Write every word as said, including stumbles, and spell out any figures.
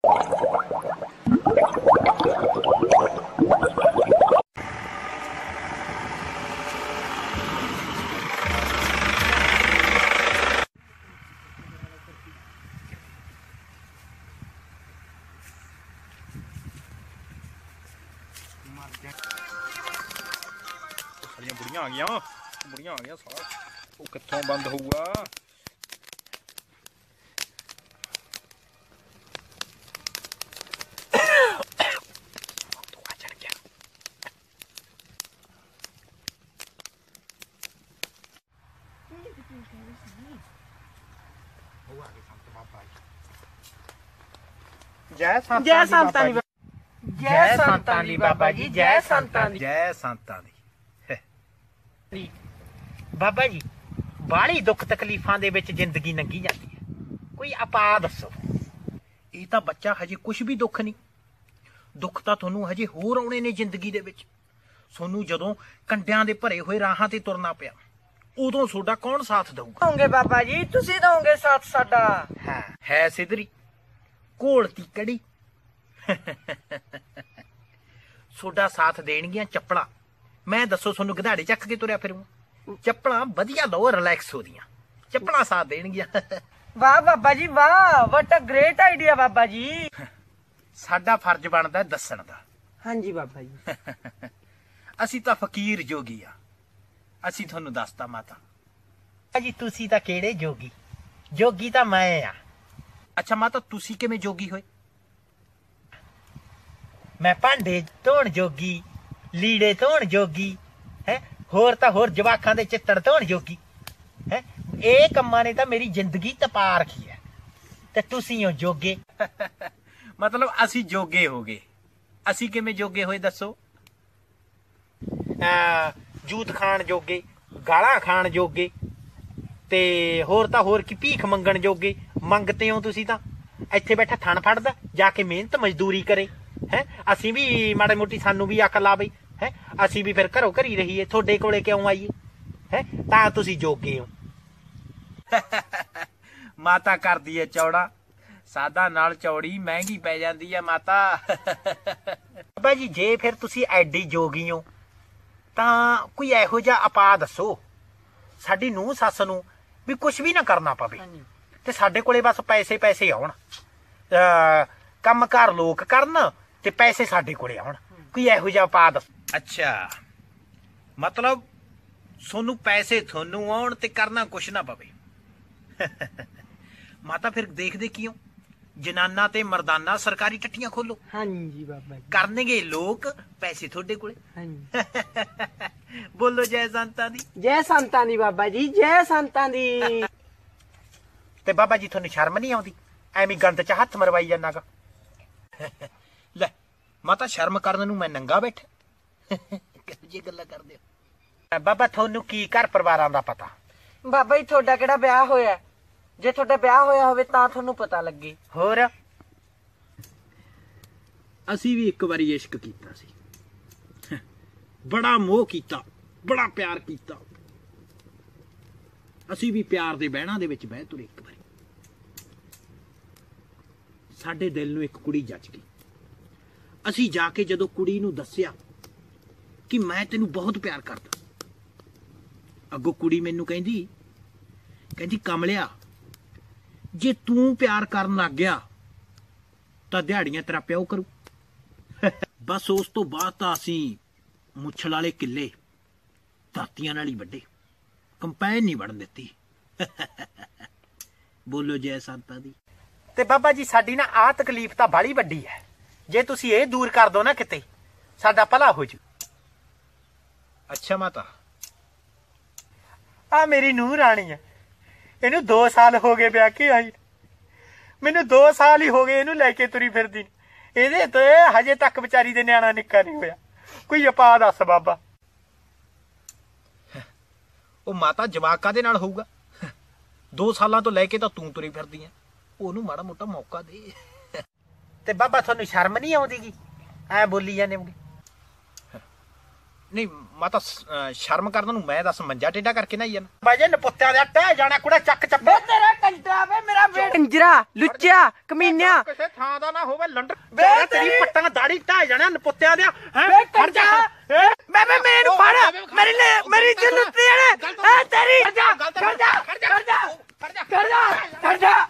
सारियां बुढ़ियां आ गई बुढ़ियां आ गई सारा वो कित्थों बंद होऊगा। जय संतां जय संतां दी जय संतां दी बाबा जी जय संतां दी जय संतां दी। बाबा जी बाली दुख तकलीफां दे विच जिंदगी लंघी जाती है, कोई अपा दसो। ये तां बच्चा हजे कुछ भी दुख नहीं, दुख तां तुहानूं हजे होर आउणे ने जिंदगी दे विच। सोनू जदों कंडियां दे भरे होए राहां ते तुरना पिया उदों सोडा कौन साथ दऊगा? दोगे बाबा जी तुसीं दोगे साथ साडा। है है सिदरी घोलती कड़ी सोडा साथ देणगियां चप्पलां। मैं दसो सोनू गधाड़े चक के तुरया फिरूं? चप्पलां वधिया लो रिलैक्स हो दियां चप्पलां साथ देणगियां। वाह बाबा जी वाह, व्हाट अ ग्रेट आइडिया बाबा जी। साडा फर्ज बनदा दस्सण दा। हाँ जी बाबा जी। असीं तां फकीर जोगी आ, असीं तुहानूं दसता माता जी तुसीं तां किहड़े जोगी, जोगी तां मैं आ। अच्छा माता तुसीं किवें जोगी होए? मैं भांडे धोण जोगी, लीड़े धोण जोगी है, होर तां होर जवाकां दे चित्तड़ धोण जोगी है। ਇਹ ਕੰਮਾਂ ਨੇ ਤਾਂ ਮੇਰੀ ਜ਼ਿੰਦਗੀ ਤਪਾ ਰੱਖੀ ਹੈ ਤੇ ਤੁਸੀਂ ਹੋ ਜੋਗੇ। ਮਤਲਬ ਅਸੀਂ ਜੋਗੇ ਹੋ ਗਏ। ਅਸੀਂ ਕਿਵੇਂ ਜੋਗੇ ਹੋਏ ਦੱਸੋ? ਜੂਤ ਖਾਣ ਜੋਗੇ, ਗਾਲਾਂ ਖਾਣ ਜੋਗੇ ਤੇ ਹੋਰ ਤਾਂ ਹੋਰ ਕੀ ਭੀਖ ਮੰਗਣ ਜੋਗੇ। ਮੰਗਤੇ ਹੋ ਤੁਸੀਂ ਤਾਂ। ਇੱਥੇ ਬੈਠਾ ਥਣ ਫੜਦਾ ਜਾ ਕੇ ਮਿਹਨਤ ਮਜ਼ਦੂਰੀ ਕਰੇ ਹੈ। ਅਸੀਂ ਵੀ ਮਾੜੇ ਮੋਟੀ ਸਾਨੂੰ ਵੀ ਅਕਲ ਆਵੇ ਹੈ, ਅਸੀਂ ਵੀ ਫਿਰ ਘਰੋਂ ਘਰੀ ਰਹੀਏ, ਤੁਹਾਡੇ ਕੋਲੇ ਕਿਉਂ ਆਈਏ ਹੈ। ਤਾਂ ਤੁਸੀਂ ਜੋਗੇ ਹੋ। ਮਾਤਾ ਕਰਦੀ ਹੈ ਚੌੜਾ, ਸਾਦਾ ਨਾਲ ਚੌੜੀ ਮਹਿੰਗੀ ਪੈ ਜਾਂਦੀ ਹੈ ਮਾਤਾ। ਬਾਬਾ ਜੀ ਜੇ ਫਿਰ ਤੁਸੀਂ ਐਡੀ ਜੋਗੀ ਹੋ ਤਾਂ ਕੋਈ ਇਹੋ ਜਿਹਾ ਆਪਾ ਦੱਸੋ ਸਾਡੀ ਨੂੰਹ ਸੱਸ ਨੂੰ ਵੀ ਕੁਛ ਵੀ ਨਾ ਕਰਨਾ ਪਵੇ ਤੇ ਸਾਡੇ ਕੋਲੇ ਬਸ ਪੈਸੇ ਪੈਸੇ ਆਉਣ, ਕੰਮ ਕਾਰ ਲੋਕ ਕਰਨ ਤੇ ਪੈਸੇ ਸਾਡੇ ਕੋਲੇ ਆਉਣ। ਕੋਈ ਇਹੋ ਜਿਹਾ ਆਪਾ ਦੱਸੋ। ਅੱਛਾ ਮਤਲਬ ਸੋਨੂੰ ਪੈਸੇ ਤੁਹਾਨੂੰ ਆਉਣ ਤੇ ਕਰਨਾ ਕੁਛ ਨਾ ਪਵੇ। ਮਾਤਾ ਫਿਰ ਦੇਖਦੇ ਕਿਉਂ ਜਨਾਨਾ ਤੇ ਮਰਦਾਨਾ ਸਰਕਾਰੀ ਟੱਟੀਆਂ ਖੋਲੋ। ਹਾਂਜੀ ਬਾਬਾ ਜੀ। ਕਰਨਗੇ ਲੋਕ, ਪੈਸੇ ਤੁਹਾਡੇ ਕੋਲੇ। ਹਾਂਜੀ ਬੋਲੋ ਜੈ ਸੰਤਾਂ ਦੀ। ਜੈ ਸੰਤਾਂ ਦੀ ਬਾਬਾ ਜੀ ਜੈ ਸੰਤਾਂ ਦੀ। ਤੇ ਬਾਬਾ ਜੀ ਤੁਹਾਨੂੰ ਸ਼ਰਮ ਨਹੀਂ ਆਉਂਦੀ ਐਵੇਂ ਗੰਦ ਚ ਹੱਥ ਮਰਵਾਈ ਜਾਨਾਗਾ? ਲੈ ਮਾਤਾ ਸ਼ਰਮ ਕਰਨ ਨੂੰ ਮੈਂ ਨੰਗਾ ਬੈਠਾ? ਕਿਹੋ ਜਿਹੀ ਗੱਲਾਂ ਕਰਦੇ ਹੋ? ਬਾਬਾ ਤੁਹਾਨੂੰ ਕੀ ਘਰ ਪਰਿਵਾਰਾਂ ਦਾ ਪਤਾ? ਬਾਬਾ ਜੀ ਤੁਹਾਡਾ ਕਿਹੜਾ ਵਿਆਹ ਹੋਇਆ? ਜੇ ਤੁਹਾਡਾ ਵਿਆਹ ਹੋਇਆ ਹੋਵੇ ਤਾਂ ਤੁਹਾਨੂੰ ਪਤਾ ਲੱਗੇ। ਹੋਰ ਅਸੀਂ ਵੀ ਇੱਕ ਵਾਰੀ ਇਸ਼ਕ ਕੀਤਾ ਸੀ, ਬੜਾ ਮੋਹ ਕੀਤਾ, ਬੜਾ ਪਿਆਰ ਕੀਤਾ। ਅਸੀਂ ਵੀ ਪਿਆਰ ਦੇ ਬਹਿਣਾ ਦੇ ਵਿੱਚ ਬਹਿ ਤੁਰੇ। ਇੱਕ ਵਾਰੀ ਸਾਡੇ ਦਿਲ ਨੂੰ ਇੱਕ ਕੁੜੀ ਜੱਜ ਗਈ। ਅਸੀਂ ਜਾ ਕੇ ਜਦੋਂ ਕੁੜੀ ਨੂੰ ਦੱਸਿਆ ਕਿ ਮੈਂ ਤੈਨੂੰ ਬਹੁਤ ਪਿਆਰ ਕਰਦਾ, ਅੱਗੋਂ ਕੁੜੀ ਮੈਨੂੰ ਕਹਿੰਦੀ ਕਹਿੰਦੀ ਕਮਲਿਆ ਜੇ ਤੂੰ ਪਿਆਰ ਕਰਨ ਲੱਗ ਗਿਆ ਤਾਂ ਦਿਹਾੜੀਆਂ ਤੇਰਾ ਪਿਓ ਕਰੂ। ਬਸ ਉਸ ਤੋਂ ਬਾਅਦ ਤਾਂ ਅਸੀਂ ਮੁੱਛਲ ਵਾਲੇ ਕਿੱਲੇ ਦਾਤੀਆਂ ਨਾਲ ਹੀ ਵੱਡੇ, ਕੰਪੈਨ ਨਹੀਂ ਵੜਨ ਦਿੱਤੀ। ਬੋਲੋ ਜੈ ਸੰਤਾਂ ਦੀ। ਤੇ ਬਾਬਾ ਜੀ ਸਾਡੀ ਨਾ ਆਹ ਤਕਲੀਫ ਤਾਂ ਬਾਲੀ ਵੱਡੀ ਹੈ, ਜੇ ਤੁਸੀਂ ਇਹ ਦੂਰ ਕਰ ਦੋ ਨਾ ਕਿਤੇ ਸਾਡਾ ਭਲਾ ਹੋ ਜੂ। ਅੱਛਾ ਮਾਤਾ ਆ ਮੇਰੀ ਨੂੰਹ ਰਾਣੀ ਹੈ, ਇਹਨੂੰ ਦੋ ਸਾਲ ਹੋ ਗਏ ਵਿਆਹ ਕੇ ਆਈ, ਮੈਨੂੰ ਦੋ ਸਾਲ ਹੀ ਹੋ ਗਏ ਇਹਨੂੰ ਲੈ ਕੇ ਤੁਰੀ ਫਿਰਦੀ। ਇਹਦੇ ਤੇ ਹਜੇ ਤੱਕ ਵਿਚਾਰੀ ਦੇ ਨਿਆਣਾ ਨਿੱਕਾ ਨਹੀਂ ਹੋਇਆ। ਕੋਈ ਉਪਾਅ ਦੱਸ ਬਾਬਾ। ਉਹ ਮਾਤਾ ਜਵਾਕਾਂ ਦੇ ਨਾਲ ਹੋਊਗਾ? ਦੋ ਸਾਲਾਂ ਤੋਂ ਲੈ ਕੇ ਤਾਂ ਤੂੰ ਤੁਰੀ ਫਿਰਦੀ ਆ, ਉਹਨੂੰ ਮਾੜਾ ਮੋਟਾ ਮੌਕਾ ਦੇ। ਤੇ ਬਾਬਾ ਤੁਹਾਨੂੰ ਸ਼ਰਮ ਨਹੀਂ ਆਉਂਦੀਗੀ ਐ ਬੋਲੀ ਜਾਂਦੇ ਹੋਗੇ? ਨਹੀਂ ਮਾਤਾ ਸ਼ਰਮ ਕਰਨ ਨੂੰ ਮੈਂ ਦੱਸ ਮੰਜਾ ਟੇਢਾ ਕਰਕੇ ਨਾ ਹੀ ਜਾਣਾ? ਬਾਜੇ ਨਪੁੱਤਿਆਂ ਦਾ ਟਹਿ ਜਾਣਾ ਕੁੜਾ ਚੱਕ ਚੱਪੇ ਤੇਰਾ ਕੰਜਰਾ ਵੇ ਮੇਰਾ ਬੇਟ ਕੰਜਰਾ ਲੁੱਚਿਆ ਕਮੀਨਿਆ ਕਿਸੇ ਥਾਂ ਦਾ ਨਾ ਹੋਵੇ ਲੰਡਰ ਵੇ ਤੇਰੀ ਤੇਰੀ ਪੱਟਾਂ ਦਾੜੀ ਢਾਹ ਜਾਣਾ ਨਪੁੱਤਿਆਂ ਦਿਆ ਵੇ ਕੰਜਰਾ ਮੈਂ ਮੈਂ ਮੈਨੂੰ ਫੜ ਮੇਰੀ ਲੈ ਮੇਰੀ ਜਿੰਦਤੀ ਨੇ ਹੈ ਤੇਰੀ ਕਰ ਜਾ ਕਰ ਜਾ ਕਰ ਜਾ ਕਰ ਜਾ ਕਰ ਜਾ